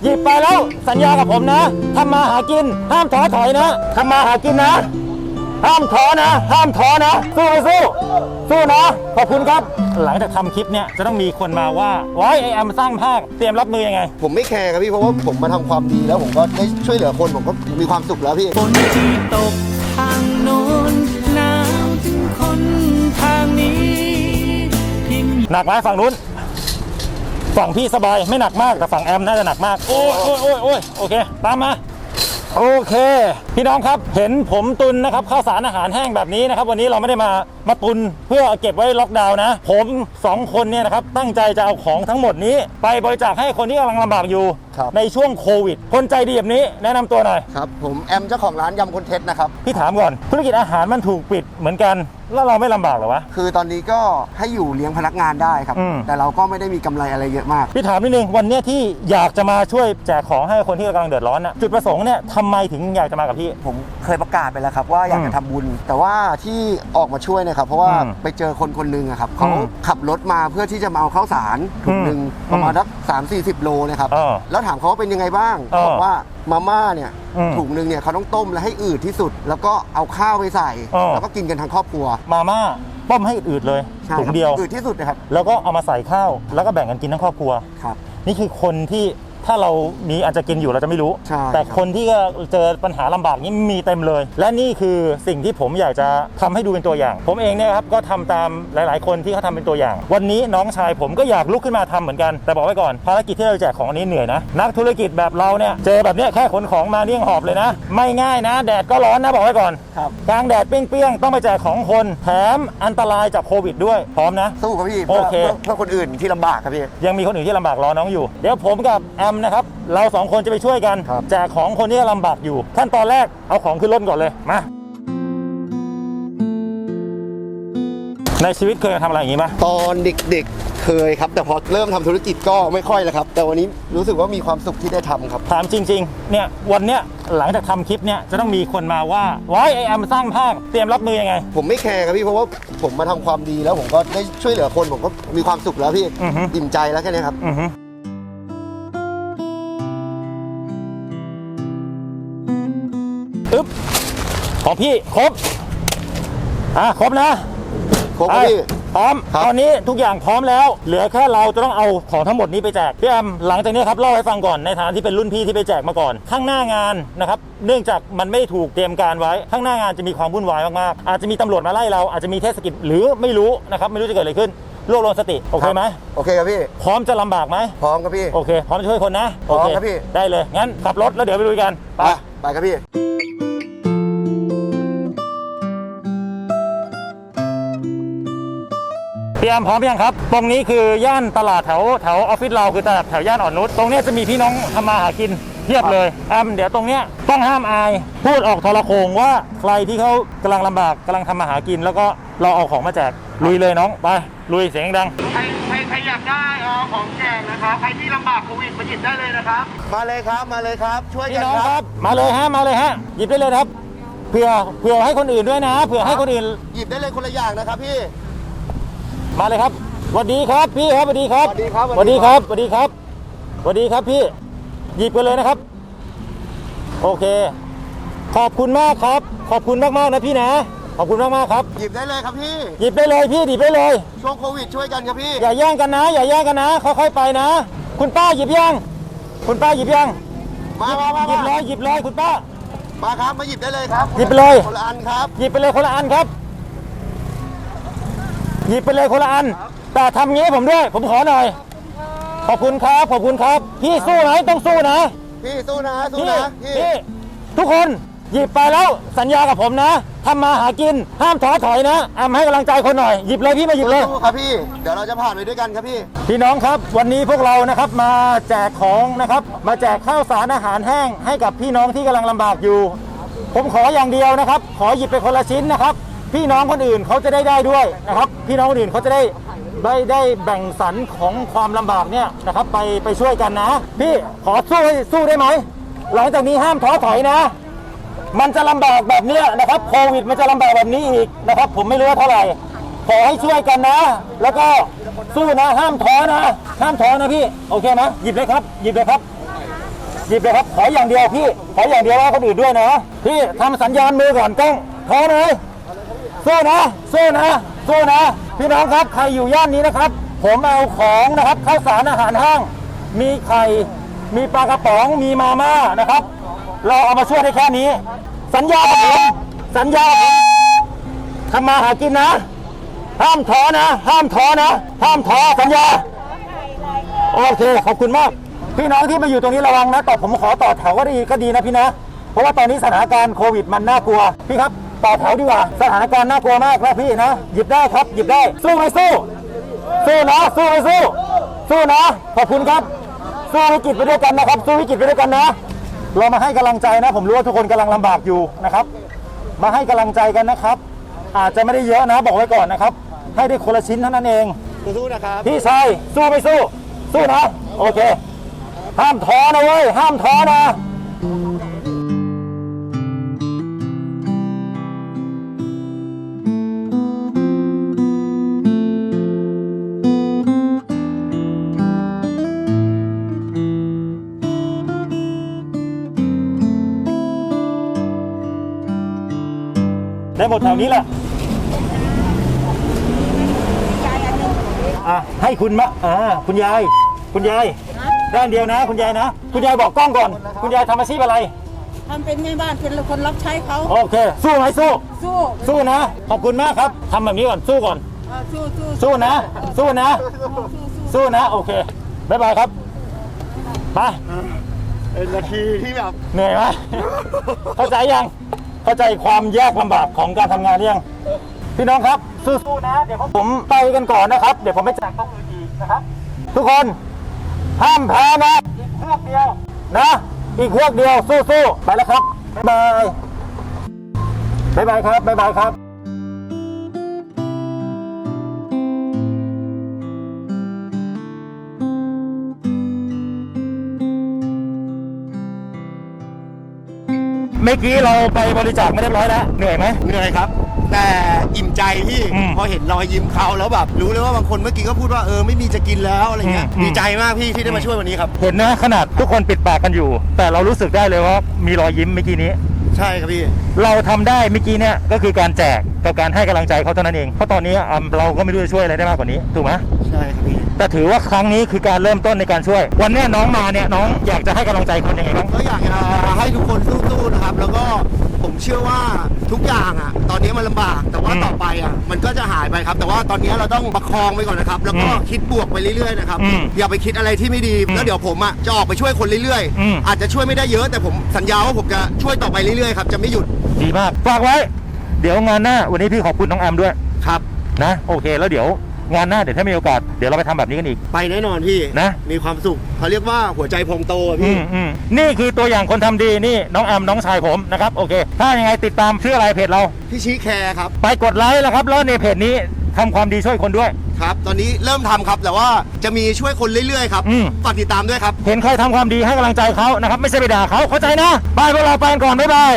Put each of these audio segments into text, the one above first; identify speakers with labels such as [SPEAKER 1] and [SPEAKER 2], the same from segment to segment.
[SPEAKER 1] หยิบไปแล้วสัญญากับผมนะทำมาหากินห้ามท้อถอยนะทำมาหากินนะห้ามท้อนะห้ามท้อนะสู้นะขอบคุณครับหลังจากทำคลิปเนี่ยจะต้องมีคนมาว่าไอ้แอมสร้างภาคเตรียมรับมือยังไง
[SPEAKER 2] ผมไม่แคร์ครับพี่เพราะว่าผมมาทำความดีแล้วผมก็ได้ช่วยเหลือคนผมก็มีความสุขแล้วพี่
[SPEAKER 3] ฝนที่ตกทางโน้นหนาวถึงคนทางนี้
[SPEAKER 1] หนักไหมฝั่งนู้นฝั่งพี่สบายไม่หนักมากแต่ฝั่งแอมน่าจะหนักมากโอ้ยโอเคตามมาโอเคพี่น้องครับเห็นผมตุนนะครับข้าวสารอาหารแห้งแบบนี้นะครับวันนี้เราไม่ได้มาตุนเพื่อเก็บไว้ล็อกดาวน์นะผม2คนเนี่ยนะครับตั้งใจจะเอาของทั้งหมดนี้ไปบริจาคให้คนที่กำลังลำบากอยู่ในช่วงโควิดคนใจดีแบบนี้แนะนำตัวหน่อย
[SPEAKER 2] ครับผมแอมเจ้าของร้านยำคนเท็จนะครับ
[SPEAKER 1] พี่ถามก่อนธุรกิจอาหารมันถูกปิดเหมือนกันแล้วเราไม่ลำบากหรอวะ
[SPEAKER 2] คือตอนนี้ก็ให้อยู่เลี้ยงพนักงานได้ครับแต่เราก็ไม่ได้มีกำไรอะไรเยอะมาก
[SPEAKER 1] พี่ถามนิดนึงวันนี้ที่อยากจะมาช่วยแจกของให้คนที่กำลังเดือดร้อนนะจุดประสงค์เนี่ยทำไมถึงอยากจะมากับพี่
[SPEAKER 2] ผมเคยประกาศไปแล้วครับว่าอยากจะทำบุญแต่ว่าที่ออกมาช่วยเนี่ยครับเพราะว่าไปเจอคนหนึ่งครับเขาขับรถมาเพื่อที่จะมาเอาข้าวสารถุงหนึ่งประมาณสัก30-40 โลนะครับแล้วถามเขาว่าเป็นยังไงบ้างบอกว่ามาม่าเนี่ยถุงหนึ่งเนี่ยเขาต้องต้มและให้อืดที่สุดแล้วก็เอาข้าวไปใส่แล้วก็กินกันทั้งครอบครัว
[SPEAKER 1] มาม่าต้มให้อืดเลยถุงเดียว
[SPEAKER 2] อืดที่สุดนะครับ
[SPEAKER 1] แล้วก็เอามาใส่ข้าวแล้วก็แบ่งกันกินทั้งครอบครัว
[SPEAKER 2] ครับ
[SPEAKER 1] นี่คือคนที่ถ้าเรามีอาจจะกินอยู่เราจะไม่รู้แต่คนที่เจอปัญหาลำบากนี้มีเต็มเลยและนี่คือสิ่งที่ผมอยากจะทำให้ดูเป็นตัวอย่างผมเองเนี่ยครับก็ทำตามหลายๆคนที่เขาทำเป็นตัวอย่างวันนี้น้องชายผมก็อยากลุกขึ้นมาทำเหมือนกันแต่บอกไว้ก่อนภารกิจที่เราแจกของอันนี้เหนื่อยนะนักธุรกิจแบบเราเนี่ยเจอแบบนี้แค่ขนของมาเลี้ยงหอบเลยนะไม่ง่ายนะแดดก็ร้อนนะบอกไว้ก่อนกลางแดดเปรี้ยงๆต้องไปแจกของคนแถมอันตรายจากโควิดด้วยพร้อมนะ
[SPEAKER 2] สู้ครับพี่
[SPEAKER 1] โอเค
[SPEAKER 2] เพื่อคนอื่นที่ลำบากครับพี่
[SPEAKER 1] ยังมีคนอื่นที่ลำบากรอน้องอยู่เดี๋ยวผมกับแอมนะครับเรา2คนจะไปช่วยกันแจกของคนที่ลำบากอยู่ขั้นตอนแรกเอาของขึ้นรถก่อนเลยมาในชีวิตเคยทำอะไรอย่างนี้ไหม
[SPEAKER 2] ตอนเด็กๆเคยครับแต่พอเริ่มทำธุรกิจก็ไม่ค่อยแล้วครับแต่วันนี้รู้สึกว่ามีความสุขที่ได้ทำครับ
[SPEAKER 1] ถามจริงๆเนี่ยวันเนี้ยหลังจากทำคลิปเนี่ยจะต้องมีคนมาว่าไอ้แอมสร้างภาคเตรียมรับมือยังไง
[SPEAKER 2] ผมไม่แคร์ครับพี่เพราะว่าผมมาทำความดีแล้วผมก็ได้ช่วยเหลือคนผมก็มีความสุขแล้วพี่อิ่มใจแล้วแค่นี้ครับ
[SPEAKER 1] ของพี่ครบครบนะ
[SPEAKER 2] ครบพี่
[SPEAKER 1] พร้อมตอนนี้ทุกอย่างพร้อมแล้วเหลือแค่เราจะต้องเอาของทั้งหมดนี้ไปแจกพี่แอมหลังจากนี้ครับเล่าให้ฟังก่อนในฐานะที่เป็นรุ่นพี่ที่ไปแจกมาก่อนข้างหน้างานนะครับเนื่องจากมันไม่ถูกเตรียมการไว้ข้างหน้างานจะมีความวุ่นวายมากๆอาจจะมีตำรวจมาไล่เราอาจจะมีเทศกิจหรือไม่รู้นะครับไม่รู้จะเกิดอะไรขึ้นรวบรวมสติโอเคไหม
[SPEAKER 2] โอเคครับพี่
[SPEAKER 1] พร้อมจะลำบากไหม
[SPEAKER 2] พร้อมครับพี่
[SPEAKER 1] โอเคพร้อมจะช่วยคนนะ
[SPEAKER 2] พร้อมครับพี่
[SPEAKER 1] ได้เลยงั้นขับรถแล้วเดี๋ยวไปลุยกัน
[SPEAKER 2] ไปครับพี่
[SPEAKER 1] พี่แอมพร้อมยังครับตรงนี้คือย่านตลาดแถวออฟฟิศเราคือตลาดแถวย่านอ่อนนุชตรงนี้จะมีพี่น้องทำมาหากินเทียบเลยแอมเดี๋ยวตรงเนี้ยต้องห้ามอายพูดออกโทรโขงว่าใครที่เขากำลังลำบากกำลังทำมาหากินแล้วก็เราเอาของมาแจกลุยเลยน้องไปลุยเสียงดัง
[SPEAKER 4] ใครอยากได้ของแจกนะครับใครที่ลำบากโควิดมาหยิบได้เลยนะครับ
[SPEAKER 2] มาเลยครับช่วยกัน
[SPEAKER 1] ครับมาเลยฮะหยิบได้เลยครับเผื่อให้คนอื่นด้วยนะเผื่อให้คนอื่น
[SPEAKER 2] หยิบได้เลยคนละอย่างนะครับพี่
[SPEAKER 1] มาเลยครับสวัสดีครับพี่ครับสวัสดีครับสวัสดีครับพี่หยิบกันเลยนะครับโอเคขอบคุณมากครับขอบคุณมากๆนะพี่นะขอบคุณมากๆครับ
[SPEAKER 2] หยิบได้เลยครับพี่
[SPEAKER 1] หยิบได้เลยพี่หยิบได้เลย
[SPEAKER 2] ช่วงโควิดช่วยกันครับพี่
[SPEAKER 1] อย่าแย่งกันนะค่อยๆไปนะคุณป้าหยิบยัง
[SPEAKER 2] มา
[SPEAKER 1] หยิบเลยคุณป้า
[SPEAKER 2] มาครับมาหยิบได้เลยครับ
[SPEAKER 1] หยิบไปเลย
[SPEAKER 2] คนละอันครับ
[SPEAKER 1] หยิบไปเลยคนละอันครับหยิบไปเลยคนละอันแต่ทำงี้ผมด้วยผมขอหน่อยขอบคุณครับพี่สู้ไหมต้องสู้นะ
[SPEAKER 2] พี่สู้นะ
[SPEAKER 1] พี่ทุกคนหยิบไปแล้วสัญญากับผมนะทำมาหากินห้ามท้อถอยนะแอมให้กำลังใจคนหน่อยหยิบเลยพี่มาหยิบเลย
[SPEAKER 2] ครับพี่เดี๋ยวเราจะผ่านไปด้วยกันครับ
[SPEAKER 1] พี่น้องครับวันนี้พวกเรานะครับมาแจกของนะครับมาแจกข้าวสารอาหารแห้งให้กับพี่น้องที่กำลังลำบากอยู่ผมขออย่างเดียวนะครับขอหยิบไปคนละชิ้นนะครับพี่น้องคนอื่นเขาจะได้ด้วยนะครับพี่น้องคนอื่นเขาจะได้แบ่งสรรของความลำบากเนี่ยนะครับไปช่วยกันนะพี่ขอสู้ได้ไหมหลังจากนี้ห้ามท้อถอยนะมันจะลำบากแบบนี้นะครับโควิดมันจะลำบากแบบนี้อีกนะครับผมไม่รู้ว่าเท่าไหร่ขอให้ช่วยกันนะแล้วก็สู้นะห้ามท้อนะพี่โอเคไหมหยิบเลยครับหยิบเลยครับขออย่างเดียวพี่ขออย่างเดียวว่าคนอื่นด้วยนะพี่ทำสัญญาณมือก่อนกล้องท้อเลยสู้นะสู้นะสู้นะพี่น้องครับใครอยู่ย่านนี้นะครับผมเอาของนะครับข้าวสารอาหารแห้งมีไข่มีปลากระป๋องมีมาม่านะครับเราเอามาช่วยได้แค่นี้สัญญากับผมสัญญากับผมทำมาหากินนะห้ามท้อนะห้ามท้อนะห้ามท้อสัญญาโอเคขอบคุณมากพี่น้องที่มาอยู่ตรงนี้ระวังนะผมขอต่อแถวก็ดีนะพี่นะเพราะว่าตอนนี้สถานการณ์โควิดมันน่ากลัวพี่ครับต่อแถวดีกว่าสถานการณ์น่ากลัวมากนะพี่นะหยิบได้ครับหยิบได้สู้ไหมสู้สู้นะสู้ไหมสู้สู้นะขอบคุณครับสู้วิกฤตไปด้วยกันนะครับสู้วิกฤตไปด้วยกันนะเรามาให้กำลังใจนะผมรู้ว่าทุกคนกำลังลำบากอยู่นะครับมาให้กำลังใจกันนะครับอาจจะไม่ได้เยอะนะบอกไว้ก่อนนะครับให้ได้คนละชิ้นเท่านั้นเองสู้นะครับพี่ชายสู้ไม่สู้สู้นะโอเคห้ามท้อนะเว้ยห้ามท้อนะได้หมดแถวนี้แหละให้คุณมะคุณยายด้านเดียวนะคุณยายนะคุณยายบอกกล้องก่อนคุณยายทำอาชีพอะไร
[SPEAKER 5] ทำเป็นแม่บ้านเป็นคนรับใช้เขา
[SPEAKER 1] โอเคสู้ไหมสู้
[SPEAKER 5] สู้
[SPEAKER 1] สู้นะขอบคุณมากครับทำแบบนี้ก่อนสู้ก่อน
[SPEAKER 5] สู้
[SPEAKER 1] สู้นะสู้นะสู้นะโอเคบ๊ายบายครับไป
[SPEAKER 2] เป็นนาทีที่แบบ
[SPEAKER 1] เหนื่อยไหมเข้าใจยังเข้าใจความยากลำบากของการทำงานหรือยังพี่น้องครับสู้ๆนะเดี๋ยวผมไปกันก่อนนะครับเดี๋ยวผมไปแจกต้องอื่นอีกนะครับทุกคนห้ามแพ้นะอีกเฮือกเดียวนะอีกเฮือกเดียวสู้ๆไปแล้วครับบ๊ายบายครับบ๊ายบายครับเมื่อกี้เราไปบริจาคไม่เรียบร้อยแล้วเหนื่อยไหม
[SPEAKER 2] เหนื่อยครับแต่อิ่มใจที่พอเห็นรอยยิ้มเขาแล้วแบบรู้เลยว่าบางคนเมื่อกี้ก็พูดว่าไม่มีจะกินแล้วอะไรเงี้ยดีใจมากพี่ที่ได้มาช่วยวันนี้ครับ
[SPEAKER 1] เห็นนะขนาดทุกคนปิดปากกันอยู่แต่เรารู้สึกได้เลยว่ามีรอยยิ้มเมื่อกี้นี้
[SPEAKER 2] ใช่ครับพี่
[SPEAKER 1] เราทำได้เมื่อกี้เนี่ยก็คือการแจกกับการให้กำลังใจเขาเท่านั้นเองเพราะตอนนี้เราก็ไม่รู้จะช่วยอะไรได้มากกว่านี้ถูกไหม
[SPEAKER 2] ใช่ครับพี่
[SPEAKER 1] แต่ถือว่าครั้งนี้คือการเริ่มต้นในการช่วยวันนี้น้องมาเนี่ยน้องอยากจะให้กำลังใจคนยังไงบ้าง
[SPEAKER 2] ก็อยากจะให้ทุกคนสู้ๆนะครับแล้วก็ผมเชื่อว่าทุกอย่างตอนนี้มันลำบากแต่ว่าต่อไปมันก็จะหายไปครับแต่ว่าตอนนี้เราต้องประคองไปก่อนนะครับแล้วก็คิดบวกไปเรื่อยๆนะครับอย่าไปคิดอะไรที่ไม่ดีแล้วเดี๋ยวผมจะออกไปช่วยคนเรื่อยๆอาจจะช่วยไม่ได้เยอะแต่ผมสัญญาว่าผมจะช่วยต่อไปเรื่อยๆครับจะไม่หยุด
[SPEAKER 1] ดีมากฝากไว้เดี๋ยวงานหน้าวันนี้พี่ขอบคุณน้องแอมด้วย
[SPEAKER 2] ครับ
[SPEAKER 1] นะโอเคแล้วเดี๋ยวงานหน้าเดี๋ยวถ้ามีโอกาสเดี๋ยวเราไปทำแบบนี้กันอีก
[SPEAKER 2] ไปแน่นอนพี่
[SPEAKER 1] นะ
[SPEAKER 2] มีความสุขเขาเรียกว่าหัวใจพองโตพี่
[SPEAKER 1] นี่คือตัวอย่างคนทำดีนี่น้องแอมน้องชายผมนะครับโอเคถ้ายังไงติดตามชื่ออะไรเพจเรา
[SPEAKER 2] พี่ชี้แคร์ครับ
[SPEAKER 1] ไปกดไลค์แล้วครับแล้วในเพจนี้ทำความดีช่วยคนด้วย
[SPEAKER 2] ครับตอนนี้เริ่มทำครับแต่ว่าจะมีช่วยคนเรื่อยๆครับฝากติดตามด้วยครับ
[SPEAKER 1] เห็นใครทำความดีให้กำลังใจเขานะครับไม่ใช่ไปด่าเขาเข้าใจนะบายพวกเราไปก่อนบ๊ายบาย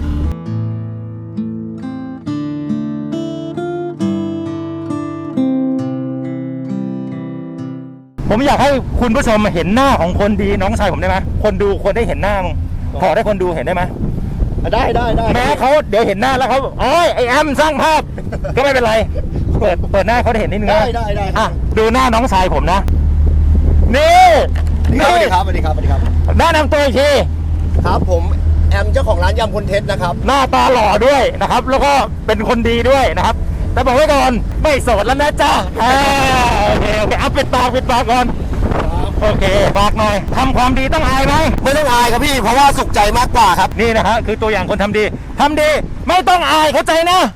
[SPEAKER 1] ผมอยากให้คุณผู้ชมเห็นหน้าของคนดีน้องชายผมได้ไหมคนดูคนได้เห็นหน้ามึงขอได้คนดูเห็นได้ไหม
[SPEAKER 2] ได้
[SPEAKER 1] แม้เขาเดี๋ยวเห็นหน้าแล้วเขาไอแอมสร้างภาพก็ไม่เป็นไรเปิดหน้าเขาได้เห็นนิดนึง
[SPEAKER 2] ได้
[SPEAKER 1] ดูหน้าน้องชายผมนะนี่
[SPEAKER 2] สวัสดีครับ
[SPEAKER 1] หน้านำตัวอีกที
[SPEAKER 2] ครับผมแอมเจ้าของร้านยำคนเท็จนะครับ
[SPEAKER 1] หน้าตาหล่อด้วยนะครับแล้วก็เป็นคนดีด้วยนะครับแต่บอกไว้ก่อนไม่โสดแล้วนะจ๊ะโอเคเอาปิดปากก่อนโอเคฝากหน่อยทำความดีต้องอายไหม
[SPEAKER 2] ไม่ต้องอายครับพี่เพราะว่าสุขใจมากกว่าครับ
[SPEAKER 1] นี่นะฮะคือตัวอย่างคนทำดีไม่ต้องอายเข้าใจนะ